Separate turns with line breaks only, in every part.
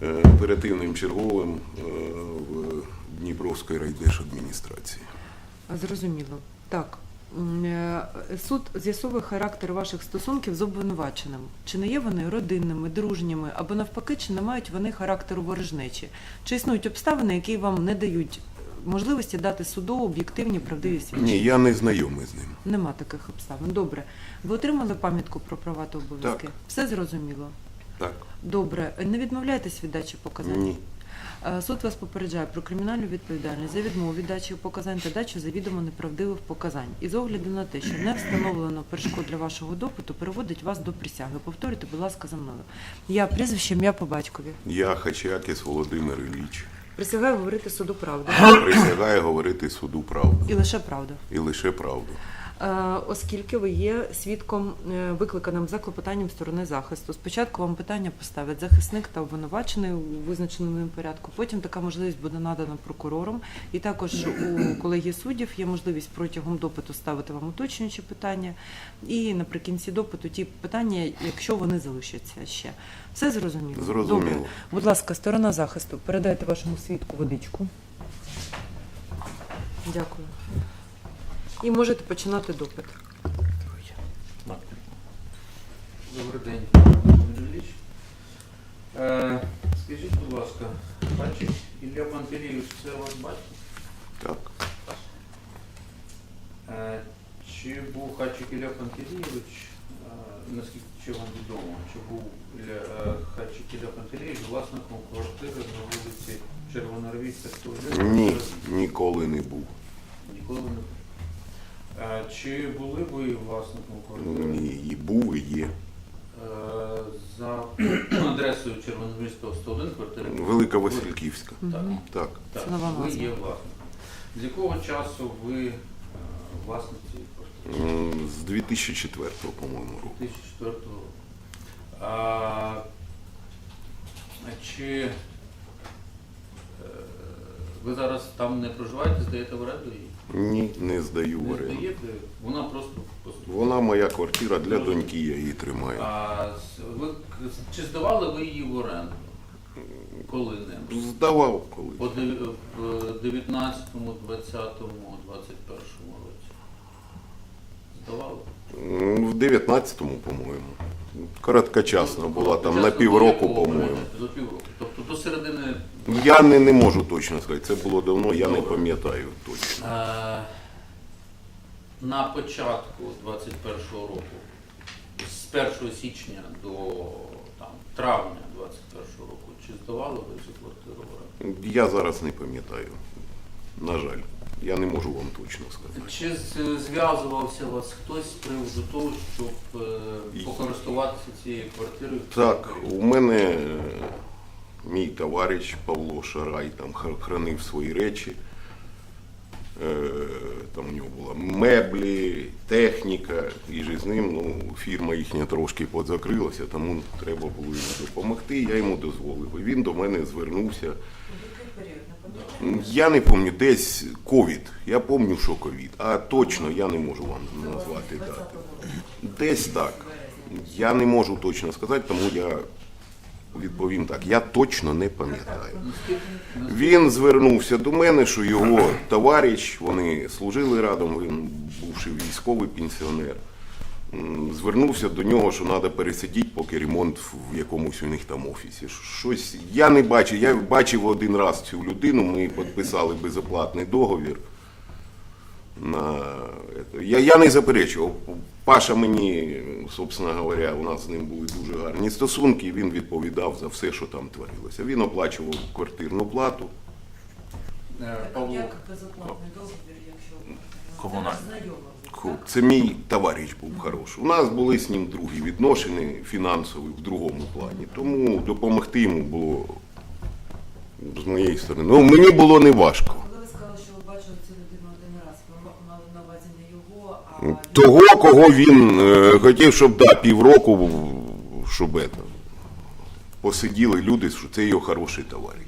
оперативним черговим в Дніпровській райдержадміністрації.
Зрозуміло. Так. Суд з'ясовує характер ваших стосунків з обвинуваченим. Чи не є вони родинними, дружніми, або навпаки, чи не мають вони характеру ворожнечі? Чи існують обставини, які вам не дають можливості дати суду об'єктивні, правдиві свідчення?
Ні, я не знайомий з ним.
Нема таких обставин. Добре. Ви отримали пам'ятку про права та обов'язки?
Так.
Все зрозуміло?
Так.
Добре. Не відмовляєтесь від дачі показань?
Ні.
Суд вас попереджає про кримінальну відповідальність за відмову від дачі показань та дачу завідомо неправдивих показань. І з огляду на те, що не встановлено перешкод для вашого допиту, переводить вас до присяги. Повторюйте, будь ласка, за мною. Я прізвище, ім'я по батькові.
Я Хачакіс Володимир Ілліч.
Присягаю говорити суду правду.
Присягаю говорити суду правду.
І лише правду.
І лише правду.
Оскільки ви є свідком, викликаним за клопотанням сторони захисту. Спочатку вам питання поставлять захисник та обвинувачений у визначеному ним порядку. Потім така можливість буде надана прокурором. І також у колегії суддів є можливість протягом допиту ставити вам уточнюючі питання. І наприкінці допиту ті питання, якщо вони залишаться ще. Все зрозуміло?
Зрозуміло.
Добре. Будь ласка, сторона захисту, передайте вашому свідку водичку. Дякую. І можете починати допит.
Добрий день, Володимир Ілліч. Скажіть, будь ласка, Хачик Ілля Пантелійович, це ваш батько?
Так.
Чи був Хачик Ілля Пантелійович, наскільки чи вам відомо, чи був Хачик Ілля Пантелійович власником квартири на вулиці Червоноармійська, 101?
Ні, ніколи не був.
Ніколи не був. Чи були ви власником квартири?
Ні, і був, і є.
За адресою Червоноармійського 101 квартири?
Велика Васильківська.
Так.
Так.
Так,
Це нова
ви
назва.
є власником. З якого часу ви власник цієї квартири?
З 2004, по-моєму, року.
2004 року. Чи ви зараз там не проживаєте, здаєте в оренду її?
Ні, не здаю в
Не
оренду.
здаєте? Вона просто поступила.
Вона моя квартира, для доньки я її тримаю.
Чи здавали ви її в оренду? Коли-небудь?
Здавав коли.
В 19-му, 20-му, 21-му році? Здавали?
В 19-му, по-моєму. Короткочасно була, там на
Чесно,
півроку,
до якого
по-моєму.
періоду? До півроку. Тобто до середини.
Я не можу точно сказати, це було давно, я не пам'ятаю точно.
На початку 21-го року, з 1 січня до травня 21-го року, чи здавали ви цю квартиру в оренду?
Я зараз не пам'ятаю. На жаль, я не можу вам точно сказати.
Чи зв'язувався вас хтось з приводу того, щоб покористуватися цією квартирою?
Так, у мене мій товариш Павло Шарай там хранив свої речі. Там у нього була меблі, техніка, і ж з ним фірма їхня трошки подзакрилася, тому треба було йому допомогти, я йому дозволив. І він до мене звернувся. Я не пам'ятаю, десь ковід, я пам'ятаю, що ковід, а точно я не можу вам назвати дати. Десь так. Я не можу точно сказати, тому я відповім так, я точно не пам'ятаю. Він звернувся до мене, що його товариш, вони служили разом, він бувший військовий пенсіонер, звернувся до нього, що треба пересидіти, поки ремонт в якомусь у них там офісі. Щось я не бачив, я бачив один раз цю людину, ми підписали безоплатний договір. Я не заперечував. Паша мені, собственно говоря, у нас з ним були дуже гарні стосунки, і він відповідав за все, що там творилося. Він оплачував квартирну плату.
Павло,
Як безоплатний договір, якщо
Комунальний.
Це мій товариш був хороший. У нас були з ним другі відносини фінансові в другому плані, тому допомогти йому було з моєї сторони. Ну, мені було не важко.
Коли ви сказали, що ви бачили цю людину один раз, ви мали на увазі не його, а
Того, кого він хотів, щоб півроку, щоб посиділи люди, що це його хороший товариш.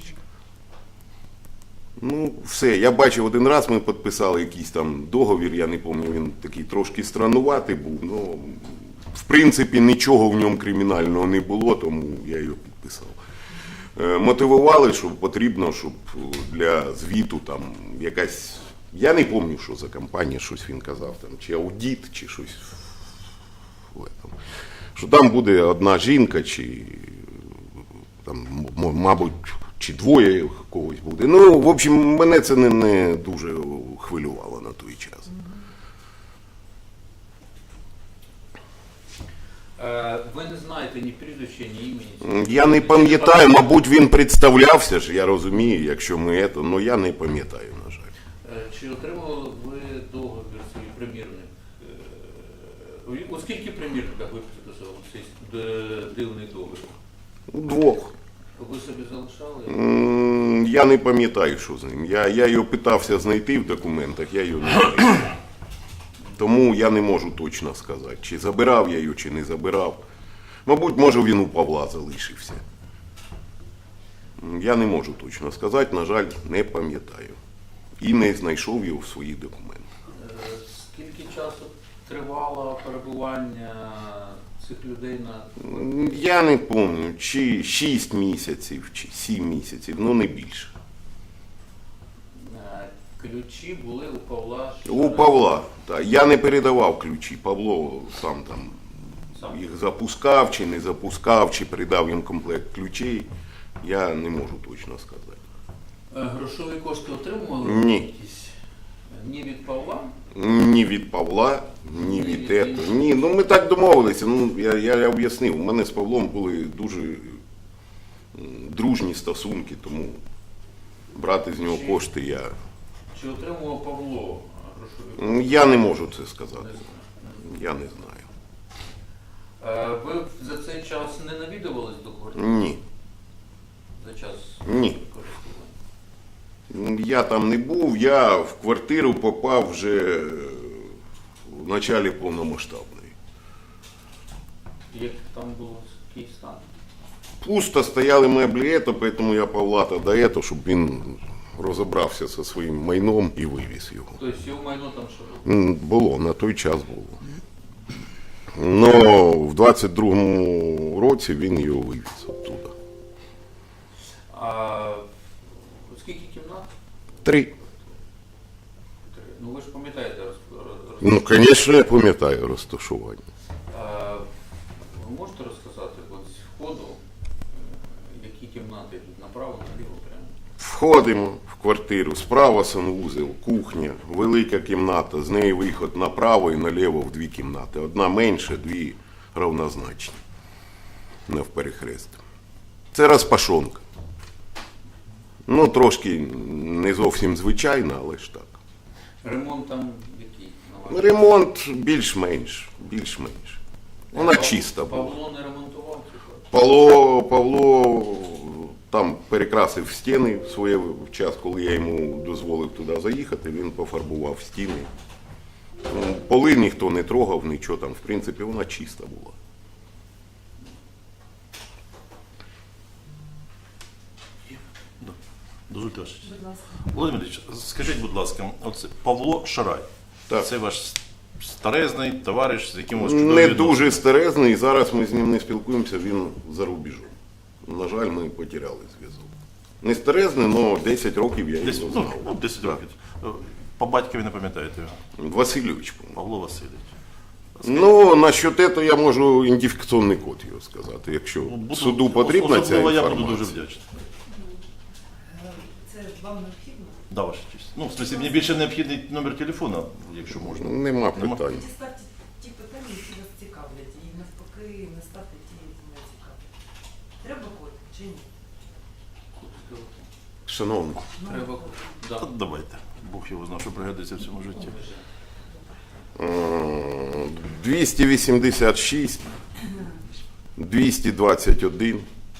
Ну, все, я бачив один раз, ми підписали якийсь там договір, я не пам'ятаю, він такий трошки странуватий був, ну, в принципі, нічого в ньому кримінального не було, тому я його підписав. мотивували, що потрібно, щоб для звіту там якась. Я не пам'ятаю, що за компанія, щось він казав, там, чи аудит, чи щось. Що там буде одна жінка, чи там, мабуть, чи двоє когось буде. Ну, в общем, мене це не дуже хвилювало на той час.
Ви не знаєте ні прізвища, ні імені?
Я не пам'ятаю, мабуть, він представлявся ж, я розумію, якщо ми це, але я не пам'ятаю, на жаль.
Чи отримали ви договір свій примірник? У скільки примірниках ви підписували цей дивний договір?
Двох.
Ви собі залишали?
Я не пам'ятаю, що з ним. Я його питався знайти в документах, я його не знайшов. Тому я не можу точно сказати, чи забирав я його, чи не забирав. Мабуть, може він у Павла залишився. Я не можу точно сказати, на жаль, не пам'ятаю. І не знайшов його в своїх документах.
Скільки часу тривало перебування цих людей на...
Я не пам'ятаю, чи 6 місяців, чи 7 місяців, ну не більше.
Ключі були у Павла?
У Павла. Так. Я не передавав ключі. Павло сам там
Сам.
їх запускав, чи не запускав, чи передав їм комплект ключей. Я не можу точно сказати.
Грошові кошти отримували?
Ні.
Якісь? Ні від Павла?
Ні від Павла, ні від ето. Ні, ну ми так домовилися. Ну, я об'яснив, у мене з Павлом були дуже дружні стосунки, тому брати з нього кошти я.
Чи отримував Павло грошові кошти?
Я не можу це сказати.
Не знаю.
Я не знаю.
Ви за цей час не навідувались до квартири?
Ні.
За час
Ні.
користування?
Я там не був, я в квартиру попав вже в началі повномасштабної.
Як там було який стан?
Пусто стояли меблі, тому я Павла тоді, щоб він розібрався зі своїм майном і вивіз його.
Тобто його майно там що було?
Було, на той час було. Но в 22-му році він його вивіз оттуда.
А скільки кімнат?
3.
Ну ви ж пам'ятаєте
Ну, звісно, я пам'ятаю розташування.
Ви можете розказати от з входу, які кімнати йдуть направо, наліво прямо?
Входимо в квартиру, справа санвузел, кухня, велика кімната, з неї виход направо і наліво в 2 кімнати. Одна менша, 2 равнозначні, навперехрест. Це розпашонка. Ну, трошки не зовсім звичайна, але ж так.
Ремонт там який? на вашій?
Ремонт більш-менш, більш-менш. Вона чиста була.
Павло не ремонтував цю квартиру?
Павло там перекрасив стіни в своє час, коли я йому дозволив туди заїхати, він пофарбував стіни. Поли ніхто не трогав, нічого там, в принципі, вона чиста була.
Дозвольте ваша честь.
Будь ласка.
Володимир Ілліч, скажіть, будь ласка, оце Павло Шарай.
Так.
Це ваш старезний товариш, з яким у вас
Не
чудові
дуже
відносини.
стерезний, зараз ми з ним не спілкуємося, він за рубежом. На жаль, ми потеряли зв'язок. Не стерезний, але 10 років я
Десь,
його
ну,
знав.
10
Так.
років. По батькові не пам'ятаєте його?
Васильович, по-моєму.
Павло Васильович.
Ну, насчет цього я можу ідентифікаційний код його сказати, якщо
Ну,
суду потрібна ця
особливо я
інформація.
буду дуже вдячний.
Це вам необхідно?
Да, ваша честь. Ну, в смысле, мені більше необхідний номер телефона, якщо можна.
Нема питань.
Діставте ті питання, які вас цікавлять, і навпаки не ставте ті, які не цікавлять. Треба код чи ні?
Шановний,
Треба. Да.
Та давайте. Бог його знав, що пригодиться в цьому житті.
286, 221,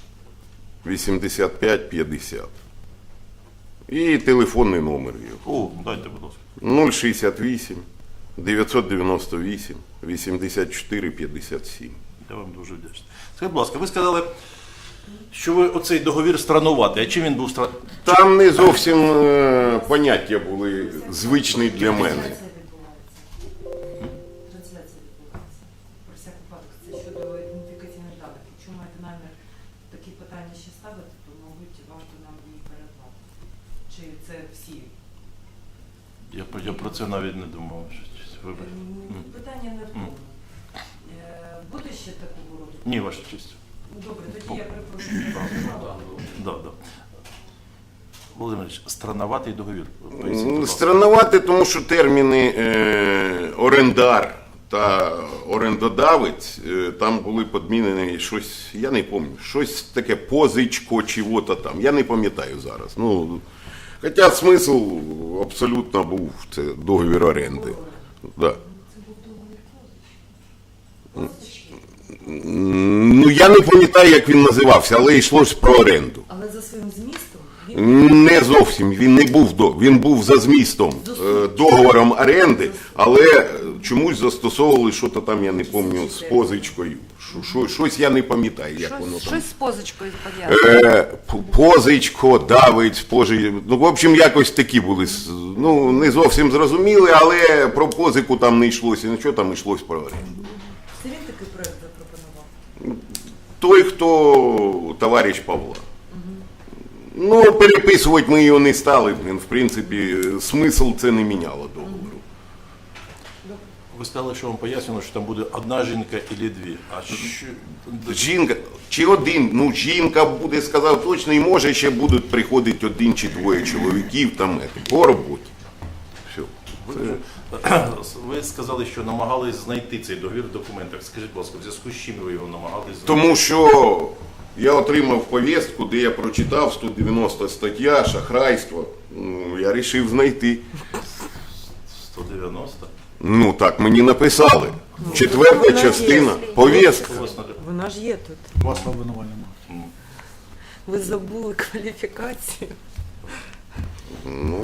85, 50. І телефонний номер його.
О, дайте, будь ласка.
068 998 84 57.
Я вам дуже вдячний. Скажіть, будь ласка, ви сказали, що ви оцей договір странуватий. А чим він був странуватий?
Там не зовсім поняття були звичні для мене.
Трансляція відбувається. Трансляція відбувається. Про всяк випадок, це щодо ідентифікаційних даних. Якщо маєте намір такі питання ще ставити, то ну, варто нам її передати? Чи це всі?
Я про це навіть не думав. Вибач.
Питання не в тому. Буде ще такого роду?
Ні, ваша честь.
Добре, тоді я перепрошую.
Да. Володимирович, странноватий договір. Поясніть, будь ласка.
Странновато, тому що терміни орендар та орендодавець там були підмінені щось, я не пам'ятаю, щось таке позичко, чого-то там. Я не пам'ятаю зараз. Ну, хоча смисл абсолютно був, це договір оренди. Да. Ну, я не пам'ятаю, як він називався, але йшлось про оренду.
Але за своїм змістом він
Не зовсім, він не був він був за змістом договором оренди, але чомусь застосовували щось там, я не пам'ятаю, з позичкою. Щось я не пам'ятаю, як воно там.
Щось з позичкою пов'язане.
Позичко, давить, ну, в общем, якось такі були, ну, не зовсім зрозуміли, але про позику там не йшлося, нічого там йшлось про оренду.
це він такий проект запропонував.
Той, хто товариш Павла. Ну, переписувати ми його не стали, в принципі, смисл це не міняло договору.
Ви сказали, що вам пояснено, що там буде одна жінка і дві. А що...
Жінка, чи один, ну жінка буде, сказав точно, і може ще будуть приходити один чи двоє чоловіків там по роботі. Все.
Ви сказали, що намагались знайти цей договір в документах. Скажіть, будь ласка, в зв'язку з чим ви його намагались знайти?
Тому що я отримав повістку, де я прочитав 190 стаття, шахрайство. Ну, я вирішив знайти.
190?
Ну так мені написали. Четверта частина, повістка.
У вас на-
Вона ж є тут.
Вас в обвинувальному.
Ви забули кваліфікацію.
Ну,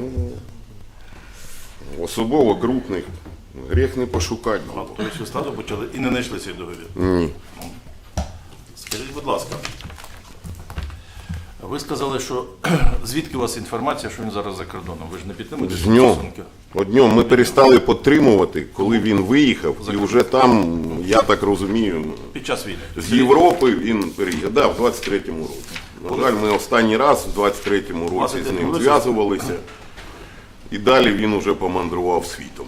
особово крупних гріх не пошукати.
А, тобто ви стаду почали і не знайшли цей договір.
Ні.
Скажіть, будь ласка, ви сказали, що звідки у вас інформація, що він зараз за кордоном? Ви ж не підтримуєте
З нього.
стосунки?
Одним ми перестали підтримувати, коли він виїхав, і вже там, я так розумію,
Під час війни.
з Європи він переїхав. Да, в 23-му році. На жаль, ми останній раз в 23-му році з ним зв'язувалися, і далі він уже помандрував світом.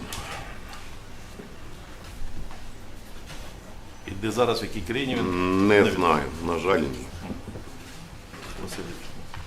І де зараз, в якій країні він?
Не знаю, на жаль, ні.
Васильович.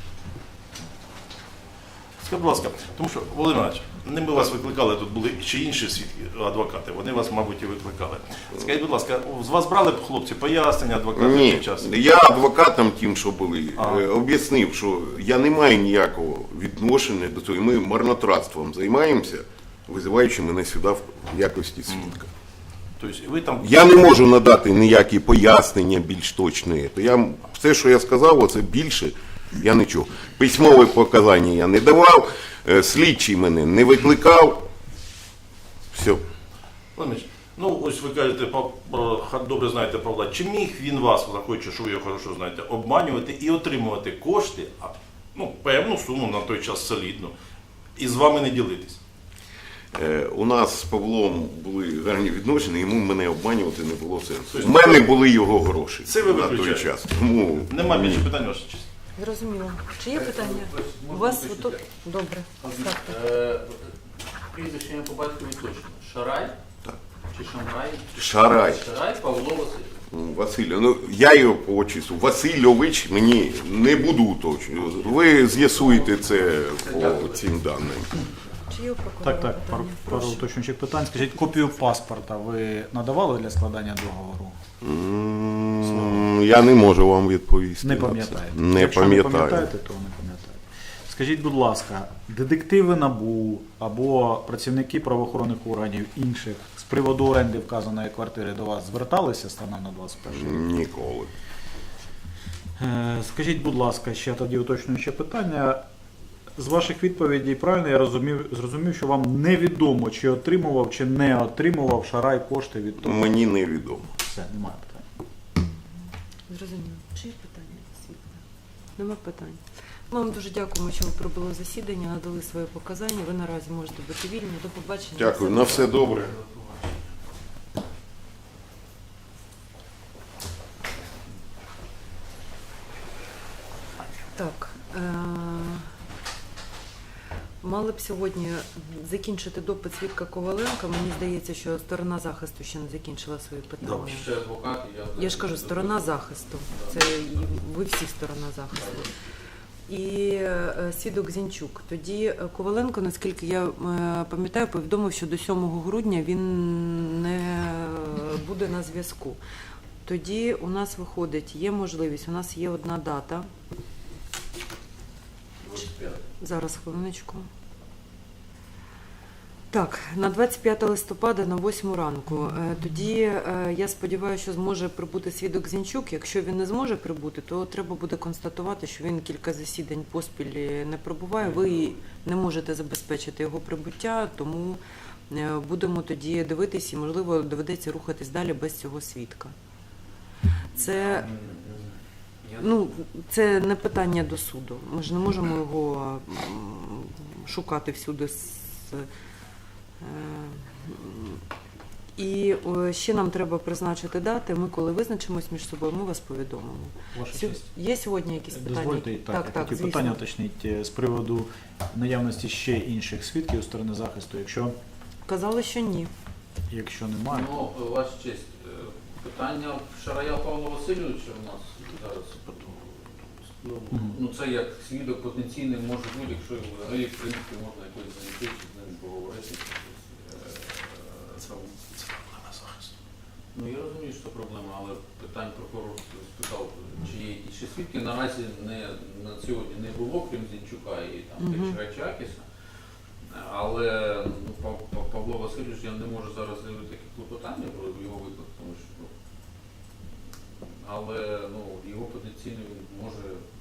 Скажіть, будь ласка, тому що, Володимир Іванович, не ми вас викликали, тут були ще інші свідки, адвокати, вони вас, мабуть, і викликали. Скажіть, будь ласка, з вас брали б, хлопці, пояснення адвоката
Ні,
під час?
я адвокатам тим, що були, об'яснив, що я не маю ніякого відношення до цього. І ми марнотратством займаємося, визиваючи мене сюди в якості свідка.
Тобто ви там...
Я не можу надати ніякі пояснення більш точні. Все, що я сказав, оце більше, я нічого. Письмові показання я не давав, слідчий мене не викликав. Все.
Володимир, ну ось ви кажете, добре знаєте Павла, чи міг він вас, враховуючи, що ви його хорошо знаєте, обманювати і отримувати кошти, ну, певну суму на той час солідну, і з вами не ділитись?
У нас з Павлом були гарні відношення, йому мене обманювати не було сенсу. У мене були його гроші
Це ви
на той
виключаєте?
час. Тому
Нема більше питань, ваша честь.
Зрозуміло. Чи є питання? У вас отут? Добре. Ставте.
Прізвище ім'я по батькові точно. Шарай?
Так.
Чи Шамрай?
Шарай.
Шарай Павло Васильович.
Василь, ну я його по отчеству. Васильович мені не буду уточнювати. Ви з'ясуєте це по цим даним.
Чи є у прокурора
Так,
питання?
пару
Прошу.
уточнюючих питань. Скажіть, копію паспорта ви надавали для складання договору?
Я не можу вам відповісти.
Не
на це.
пам'ятаєте?
Не
Якщо не
пам'ятаю.
пам'ятаєте, то не пам'ятаєте. Скажіть, будь ласка, детективи НАБУ або працівники правоохоронних органів інших з приводу оренди вказаної квартири до вас зверталися станом на 21 рік?
Ніколи.
Скажіть, будь ласка, ще тоді уточнююче питання. З ваших відповідей правильно я зрозумів, що вам невідомо, чи отримував, чи не отримував Шарай кошти від того?
Мені невідомо.
Все, немає питань.
Зрозуміло. Чи є питання? Світлана? Нема питань. Ми вам дуже дякуємо, що ви прибули в засідання, надали свої показання. Ви наразі можете бути вільні. До побачення.
Дякую. На все добре.
Так, Так. Мали б сьогодні закінчити допит свідка Коваленка. Мені здається, що сторона захисту ще не закінчила свої питання.
Добре.
Ще адвокат,
Я ж кажу, сторона захисту. Це ви всі сторона захисту. І свідок Зінчук. Тоді Коваленко, наскільки я пам'ятаю, повідомив, що до 7 грудня він не буде на зв'язку. Тоді у нас виходить, є можливість, у нас є одна дата.
25.
Зараз, хвилиночку. Так, на 25 листопада на 8 ранку. Тоді я сподіваюся, що зможе прибути свідок Зінчук. Якщо він не зможе прибути, то треба буде констатувати, що він кілька засідань поспіль не прибуває. Ви не можете забезпечити його прибуття, тому будемо тоді дивитись і, можливо, доведеться рухатись далі без цього свідка. Це... Ну, це не питання до суду. Ми ж не можемо його шукати всюди. І ще нам треба призначити дати. Ми, коли визначимось між собою, ми вас повідомимо.
Ваша
Сю-
честь.
Є сьогодні якісь питання?
Дозвольте, я хотів
звісно.
питання уточнити з приводу наявності ще інших свідків у сторони захисту.
Казали, що ні.
Якщо немає,
Ну, ваша честь, питання Шарая Павла Васильовича у нас зараз. Ну, це як свідок потенційний може бути, якщо взагалі, в принципі, можна якось знайти, чи з ним поговорити.
Це проблема захисту.
Ну, я розумію, що це проблема, але питань прокурор спитав, чи є якісь ще свідки. Наразі на сьогодні не було, крім Зінчука і там Чакіса. Але ну, Павло Васильович, я не можу зараз заявити такі клопотання про його виклик, тому що але ну, його потенційно він може.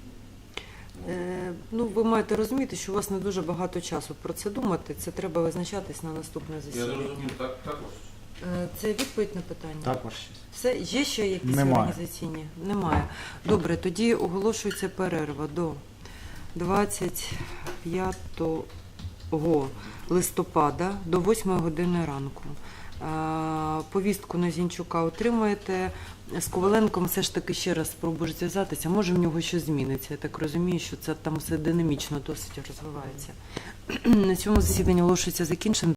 Ну, ви маєте розуміти, що у вас не дуже багато часу про це думати. Це треба визначатись на наступне
Я
засідання.
зрозумів, також.
Це відповідь на питання?
так, ваша честь.
Все, є ще якісь
Немає.
організаційні? Немає. Добре, тоді оголошується перерва до 25 листопада до 8 години ранку. Повістку на Зінчука отримаєте. З Коваленком все ж таки ще раз спробуєш зв'язатися. Може в нього щось зміниться. Я так розумію, що це там все динамічно досить розвивається. На цьому засідання оголошується закінченим.